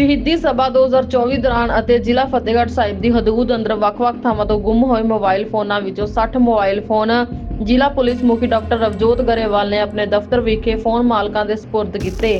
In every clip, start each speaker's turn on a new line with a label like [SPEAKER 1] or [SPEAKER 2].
[SPEAKER 1] ਸ਼ਹੀਦੀ ਸਭਾ 2024 ਦੌਰਾਨ ਅਤੇ ਜ਼ਿਲ੍ਹਾ ਫਤਿਹਗੜ੍ਹ ਸਾਹਿਬ ਦੀ ਹਦੂਦ ਅੰਦਰ ਵੱਖ-ਵੱਖ ਥਾਵਾਂ ਤੋਂ ਗੁੰਮ ਹੋਏ ਮੋਬਾਈਲ ਫੋਨਾਂ ਵਿੱਚੋਂ 60 ਮੋਬਾਈਲ ਫੋਨ ਜ਼ਿਲ੍ਹਾ ਪੁਲਿਸ ਮੁਖੀ ਡਾਕਟਰ ਰਵਜੋਤ ਗਰੇਵਾਲ ਨੇ ਆਪਣੇ ਦਫ਼ਤਰ ਵਿਖੇ ਫੋਨ ਮਾਲਕਾਂ ਦੇ ਸਪੁਰਦ ਕੀਤੇ।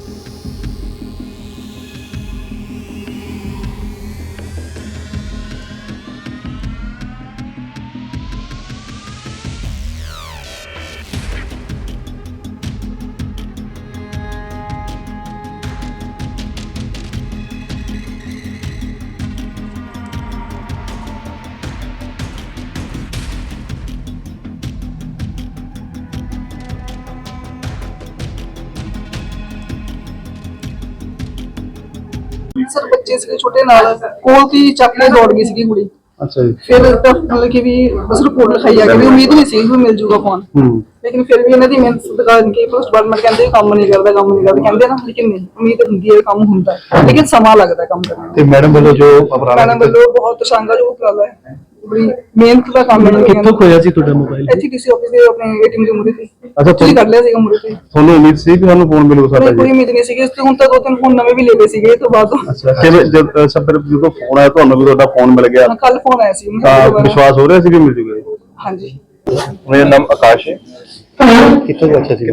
[SPEAKER 2] सर बच्चे से छोटे नाल कोल की चक के दौड़ गई सी कुड़ी।
[SPEAKER 3] अच्छा जी।
[SPEAKER 2] फिर मतलब कि भी बस रिपोर्ट लिखाई है कि उम्मीद नहीं सी कि मिल जूगा फोन, लेकिन फिर भी इन्हां दी मेहनत दुकान की पोस्ट डिपार्टमेंट कहंदे काम नहीं करदा कहंदे ना, लेकिन नहीं उम्मीद हुंदी है काम हुंदा है, लेकिन समा लगदा है काम करने
[SPEAKER 3] ते मैडम वालों जो अपराध
[SPEAKER 2] मैडम वालों बहुत शानदार जो उपराला है, बड़ी मेहनत का काम है।
[SPEAKER 3] कित्थों खोया सी ਤੁਹਾਡਾ ਮੋਬਾਈਲ?
[SPEAKER 2] ਐਚਡੀ ਕਿਸੇ ਆਫਿਸ ਦੇ ਆਪਣੇ ਏਟੀਐਮ ਦੇ ਮੁਰੇ ਤੇ।
[SPEAKER 3] ਅੱਛਾ,
[SPEAKER 2] ਤੁਸੀਂ ਕਰ ਲਿਆ ਸੀਗਾ ਮੁਰੇ ਤੇ?
[SPEAKER 3] ਤੁਹਾਨੂੰ ਉਮੀਦ ਸੀ ਕਿ ਸਾਨੂੰ ਫੋਨ ਮਿਲੂਗਾ ਸਾਡਾ ਜੀ?
[SPEAKER 2] ਕੋਈ ਉਮੀਦ ਨਹੀਂ ਸੀਗੀ, ਇਸ ਤੋਂ ਹੁਣ ਤੱਕ ਦੋ ਤਿੰਨ ਫੋਨ ਨਵੇਂ ਵੀ ਲੈ ਲਏ ਸੀਗੇ ਇਸ ਤੋਂ ਬਾਅਦ।
[SPEAKER 3] ਅੱਛਾ, ਕਿਵੇਂ ਜਦ ਸਭ ਜਦੋਂ ਫੋਨ ਆਇਆ ਤੁਹਾਨੂੰ ਵੀ ਤੁਹਾਡਾ ਫੋਨ ਮਿਲ ਗਿਆ
[SPEAKER 2] ਕੱਲ ਫੋਨ ਆਇਆ ਸੀ
[SPEAKER 3] ਤਾਂ ਵਿਸ਼ਵਾਸ ਹੋ ਰਿਹਾ ਸੀ ਕਿ ਮਿਲ ਜੂਗਾ?
[SPEAKER 2] ਹਾਂਜੀ।
[SPEAKER 4] ਮੇਰਾ ਨਾਮ ਆਕਾਸ਼ ਹੈ।
[SPEAKER 3] ਕਿੱਥੋਂ ਬੱਚਾ ਸੀ?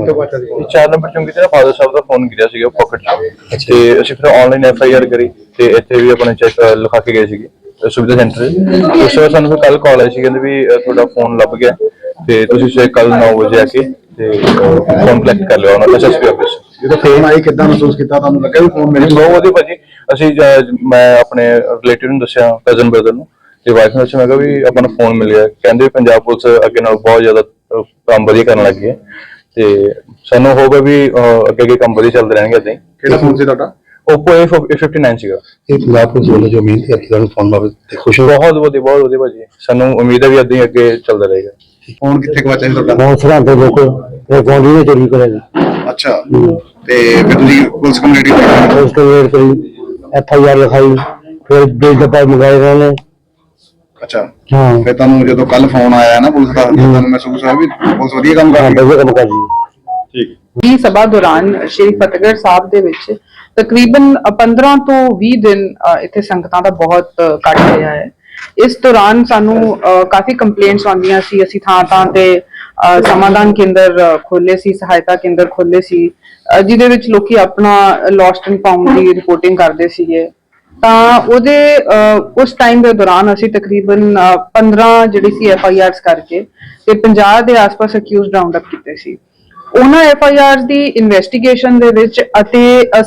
[SPEAKER 4] 4 ਨੰਬਰ ਚੌਂਕੀ ਤੇ ਫਾਦਰ ਸਾਹਿਬ ਦਾ ਫੋਨ ਗਿਰਿਆ ਸੀਗਾ ਪਾਕਟ 'ਚ, ਤੇ ਅਸੀਂ ਫਿਰ ਆਨਲਾਈਨ FIR ਕਰੀ ਤੇ ਇੱਥੇ ਵੀ ਆਪਣੇ ਚੈੱਕ ਲਿਖਾ ਕੇ ਗਏ ਸੀਗੇ ਸੁਵਿਧਾ ਸੈਂਟਰ। ਉਸ ਤੋਂ ਬਾਅਦ ਸਾਨੂੰ ਫਿਰ ਕੱਲ ਕਾਲ ਆਈ ਸੀ, ਕਹਿੰਦੇ ਵੀ ਤੁਹਾਡਾ ਫੋਨ ਲੱਭ ਗਿਆ ਤੇ ਤੁਸੀਂ ਕੱਲ 9 ਵਜੇ ਆ ਕੇ ਤੇ ਫੋਨ ਕਲੈਕਟ ਕਰ ਲਿਓ ਉਹਨਾਂ ਦਾ SSP ਆਫਿਸ।
[SPEAKER 3] ਜਦੋਂ ਫੋਨ ਆਈ ਕਿੱਦਾਂ ਮਹਿਸੂਸ ਕੀਤਾ? ਤੁਹਾਨੂੰ ਲੱਗਾ ਵੀ ਫੋਨ ਮਿਲ
[SPEAKER 4] ਬਹੁਤ ਵਧੀਆ ਭਾਜੀ। ਅਸੀਂ ਮੈਂ ਆਪਣੇ ਰਿਲੇਟਿਵ ਨੂੰ ਦੱਸਿਆ, ਕਜ਼ਨ ਬ੍ਰਦਰ ਨੂੰ ਤੇ ਵਾਈਫ ਨੂੰ ਦੱਸਿਆ, ਮੈਂ ਕਿਹਾ ਵੀ ਆਪਾਂ ਨੂੰ ਫੋਨ ਮਿਲ ਗਿਆ। ਕਹਿੰਦੇ ਪੰਜਾਬ ਪੁਲਿਸ ਅੱਗੇ ਨਾਲ ਬਹੁਤ ਜ਼ਿਆਦਾ ਕੰਮ ਵਧੀਆ ਕਰਨ ਲੱਗੀ ਹੈ ਤੇ ਸਾਨੂੰ ਹੋਊਗਾ ਵੀ ਅੱਗੇ ਕੰਮ ਵਧੀਆ ਚੱਲਦੇ ਰਹਿਣਗੇ ਏਦਾਂ ਹੀ।
[SPEAKER 3] ਕਿਹੜਾ ਫੋਨ ਸੀ ਤੁਹਾਡਾ?
[SPEAKER 4] Oppo A59 ਸੀਗਾ।
[SPEAKER 3] ਇਹ ਪੰਜਾਬ ਪੁਲਿਸ ਵੱਲੋਂ ਜੋ ਮਿਹਨਤ ਕੀਤੀ ਤੁਹਾਨੂੰ ਫੋਨ ਬਾਰੇ ਤੇ ਖੁਸ਼ ਹੋ?
[SPEAKER 4] ਬਹੁਤ ਵਧੀਆ ਭਾਜੀ, ਸਾਨੂੰ ਉਮੀਦ ਹੈ ਵੀ ਏਦਾਂ ਹੀ ਅੱਗੇ ਚੱਲਦਾ ਰਹੇਗਾ।
[SPEAKER 3] ਫੋਨ ਕਿੱਥੇ ਗਵਾਚਿਆ ਸੀ ਤੁਹਾਡਾ?
[SPEAKER 5] ਬਹੁਤ ਸਰਾਂਦੇ ਲੋਕ ਇਹ ਫੋਨ ਵੀ ਚੋਰੀ ਕਰਿਆ ਜੀ।
[SPEAKER 3] ਅੱਛਾ, ਤੇ ਫਿਰ ਤੁਸੀਂ ਪੁਲਿਸ ਕੰਪਲੇਂਟ ਕੀਤੀ?
[SPEAKER 5] ਉਸ ਤੋਂ ਵੇਟ ਕਰੀ, FIR ਲਿਖਾਈ, ਫਿਰ ਬਿਲ ਡੱਬਾ ਮੰਗਾਏ ਇਹਨਾਂ ਨੇ।
[SPEAKER 3] ਅੱਛਾ,
[SPEAKER 5] ਹਾਂ,
[SPEAKER 3] ਫਿਰ ਤੁਹਾਨੂੰ ਜਦੋਂ ਕੱਲ ਫੋਨ ਆਇਆ ਨਾ ਪੁਲਿਸ ਦਾ, ਤੁਹਾਨੂੰ ਮਹਿਸੂਸ ਹੋਇਆ ਵੀ ਪੁਲਿਸ ਵਧੀਆ ਕੰਮ ਕਰ ਰਹੀ ਹੈ?
[SPEAKER 5] ਵਧੀਆ ਕੰਮ ਕਰ ਜੀ।
[SPEAKER 3] ਠੀਕ।
[SPEAKER 2] ਦੀ ਸਭਾ ਦੌਰਾਨ ਸ਼੍ਰੀ ਫਤਿਹਗੜ੍ਹ ਸਾਹਿਬ ਦੇ ਵਿੱਚ ਤਕਰੀਬਨ 15 ਤੋਂ 20 ਦਿਨ ਇੱਥੇ ਸੰਗਤਾਂ ਦਾ ਬਹੁਤ ਘੱਟ ਰਿਹਾ ਹੈ। ਇਸ ਦੌਰਾਨ ਸਾਨੂੰ ਕਾਫੀ ਕੰਪਲੇਂਟਸ ਆਉਂਦੀਆਂ ਸੀ। ਅਸੀਂ ਥਾਂ ਤੇ ਸਮਾਧਾਨ ਕੇਂਦਰ ਖੋਲੇ ਸੀ, ਸਹਾਇਤਾ ਕੇਂਦਰ ਖੋਲੇ ਸੀ, ਜਿਹਦੇ ਵਿੱਚ ਲੋਕੀ ਆਪਣਾ ਲੋਸਟ ਐਂਡ ਫਾਊਂਡ ਦੀ ਰਿਪੋਰਟਿੰਗ ਕਰਦੇ ਸੀਗੇ। ਤਾਂ ਉਹਦੇ ਉਸ ਟਾਈਮ ਦੇ ਦੌਰਾਨ ਅਸੀਂ ਤਕਰੀਬਨ 15 ਜਿਹੜੀ ਸੀ FIRs ਕਰਕੇ ਤੇ 50 ਦੇ ਆਸ-ਪਾਸ ਅਕਿਊਜ਼ਡ ਰਾਉਂਡ ਅਪ ਕੀਤੇ ਸੀ। ਉਹਨਾਂ FIRs ਦੀ ਇਨਵੈਸਟੀਗੇਸ਼ਨ ਦੇ ਵਿੱਚ ਅਤੇ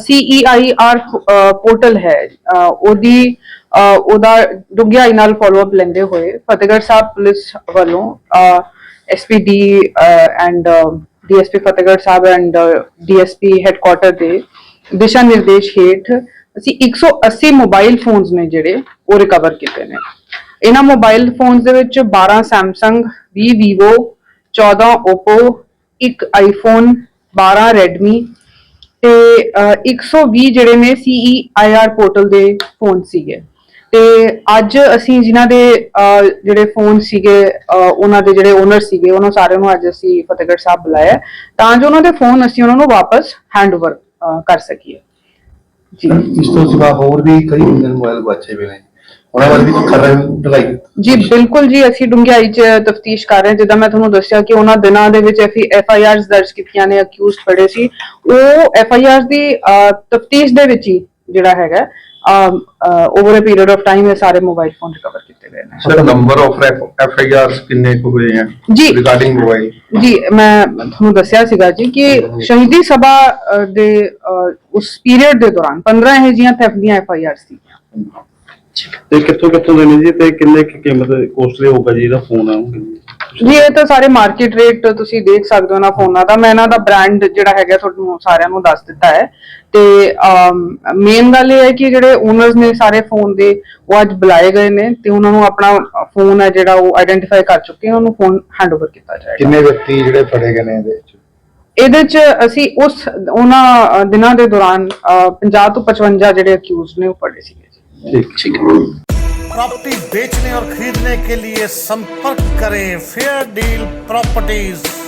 [SPEAKER 2] CEIR ਪੋਰਟਲ ਹੈ ਉਹਦਾ ਡੂੰਘਾਈ ਨਾਲ ਫਾਲੋ ਅਪ ਲੈਂਦੇ ਹੋਏ ਫਤਿਹਗੜ੍ਹ ਸਾਹਿਬ ਪੁਲਿਸ ਵੱਲੋਂ SPD and DSP Fatehgarh Sahib and DSP headquarter ਦੇ ਦਿਸ਼ਾ ਨਿਰਦੇਸ਼ ਹੇਠ ਅਸੀਂ 180 ਮੋਬਾਈਲ ਫੋਨਸ ਨੇ ਜਿਹੜੇ ਉਹ ਰਿਕਵਰ ਕੀਤੇ ਨੇ। ਇਹਨਾਂ ਮੋਬਾਈਲ ਫੋਨਸ ਦੇ ਵਿੱਚ 12 Samsung, 20 Vivo, 14 Oppo, 1 iPhone, 12 Redmi ਤੇ 120 ਜਿਹੜੇ ਨੇ CEIR ਪੋਰਟਲ ਦੇ ਫੋਨ ਸੀਗੇ। ਤੇ ਅੱਜ ਅਸੀਂ ਜਿਨ੍ਹਾਂ ਦੇ ਜਿਹੜੇ ਫੋਨ ਸੀਗੇ ਉਹਨਾਂ ਦੇ ਜਿਹੜੇ ਓਨਰ ਸੀਗੇ ਉਹਨਾਂ ਸਾਰਿਆਂ ਨੂੰ ਅੱਜ ਅਸੀਂ ਫਤਿਹਗੜ੍ਹ ਸਾਹਿਬ ਬੁਲਾਇਆ ਤਾਂ ਜੋ ਉਹਨਾਂ ਦੇ ਫੋਨ ਅਸੀਂ ਉਹਨਾਂ ਨੂੰ ਵਾਪਸ ਹੈਂਡਓਵਰ ਕਰ ਸਕੀਏ। ਜੀ,
[SPEAKER 3] ਇਸ ਤੋਂ ਸਿਵਾ ਹੋਰ ਵੀ ਕਈ ਮੋਬਾਈਲ ਗਵਾਚੇ ਹੋਏ ਨੇ, ਉਹਨਾਂ ਬਾਰੇ ਵੀ ਖਬਰ ਦਿਖਾਈ? ਜੀ
[SPEAKER 2] ਬਿਲਕੁਲ ਜੀ, ਅਸੀਂ ਡੂੰਘਾਈ 'ਚ ਤਫਤੀਸ਼ ਕਰ ਰਹੇ ਹਾਂ। ਜਿੱਦਾਂ ਮੈਂ ਤੁਹਾਨੂੰ ਦੱਸਿਆ ਕਿ ਉਹਨਾਂ ਦਿਨਾਂ ਦੇ ਵਿੱਚ FIRs ਦਰਜ ਕੀਤੀਆਂ ਨੇ, ਅਕਿਊਜ਼ਡ ਫੜੇ ਸੀ, ਉਹ FIRs ਦੀ ਤਫਤੀਸ਼ ਦੇ ਵਿੱਚ ਹੀ ਜਿਹੜਾ ਹੈਗਾ over a period of time ਇਹ ਸਾਰੇ ਮੋਬਾਈਲ ਫੋਨ ਰਿਕਵਰ ਕੀਤੇ ਗਏ ਨੇ।
[SPEAKER 3] ਸਰ, ਨੰਬਰ ਆਫ FIRs ਕਿੰਨੇ ਕੁ ਹੋਏ ਹਨ
[SPEAKER 2] ਜੀ
[SPEAKER 3] ਰਿਗਾਰਡਿੰਗ ਮੋਬਾਈਲ?
[SPEAKER 2] ਜੀ, ਮੈਂ ਤੁਹਾਨੂੰ ਦੱਸਿਆ ਸੀਗਾ ਜੀ ਕਿ ਸ਼ਹੀਦੀ ਸਭਾ ਦੇ ਉਸ ਪੀਰੀਅਡ ਦੇ ਦੌਰਾਨ 15 ਇਹੋ ਜਿਹੀਆਂ ਥੈਫਟ ਦੀਆਂ FIRs ਸੀ।
[SPEAKER 3] ਤੇ ਕਿੱਥੋਂ ਦੇ ਨੇ ਜੀ ਤੇ ਕਿੰਨੇ ਕੀਮਤ ਕੋਸਟਲੀ ਹੋਊਗਾ ਜੀ ਇਹਦਾ ਫੋਨ?
[SPEAKER 2] ਜੀ, ਇਹ ਤਾਂ ਸਾਰੇ ਮਾਰਕੀਟ ਰੇਟ ਤੁਸੀਂ ਦੇਖ ਸਕਦੇ ਹੋ ਨਾ ਫੋਨਾਂ ਦਾ। ਮੈਂ ਇਹਨਾਂ ਦਾ ਬ੍ਰਾਂਡ ਜਿਹੜਾ ਹੈਗਾ ਤੁਹਾਨੂੰ ਸਾਰਿਆਂ ਨੂੰ ਦੱਸ ਦਿੱਤਾ ਹੈ। ਤੇ ਮੇਨ ਗੱਲ ਇਹ ਹੈ ਕਿ ਜਿਹੜੇ ਓਨਰਸ ਨੇ ਸਾਰੇ ਫੋਨ ਦੇ ਉਹ ਅੱਜ ਬੁਲਾਏ ਗਏ ਨੇ ਤੇ ਉਹਨਾਂ ਨੂੰ ਆਪਣਾ ਫੋਨ ਹੈ ਜਿਹੜਾ ਉਹ ਆਇਡੈਂਟੀਫਾਈ ਕਰ ਚੁੱਕੇ, ਉਹਨੂੰ ਫੋਨ ਹੈਂਡਓਵਰ ਕੀਤਾ ਜਾਏਗਾ।
[SPEAKER 3] ਕਿੰਨੇ ਵਿਅਕਤੀ ਜਿਹੜੇ ਫੜੇ ਗਏ ਨੇ
[SPEAKER 2] ਇਹਦੇ ਚ ਅਸੀਂ ਉਹਨਾਂ ਦਿਨਾਂ ਦੇ ਦੌਰਾਨ 50 ਤੋਂ 55 ਜਿਹੜੇ ਅਕਿਊਜ਼ਡ ਨੇ ਉਹ ਫੜੇ ਸੀਗੇ।
[SPEAKER 3] ठीक।
[SPEAKER 6] प्रॉपर्टी बेचने और खरीदने के लिए संपर्क करें फेयर डील प्रॉपर्टीज।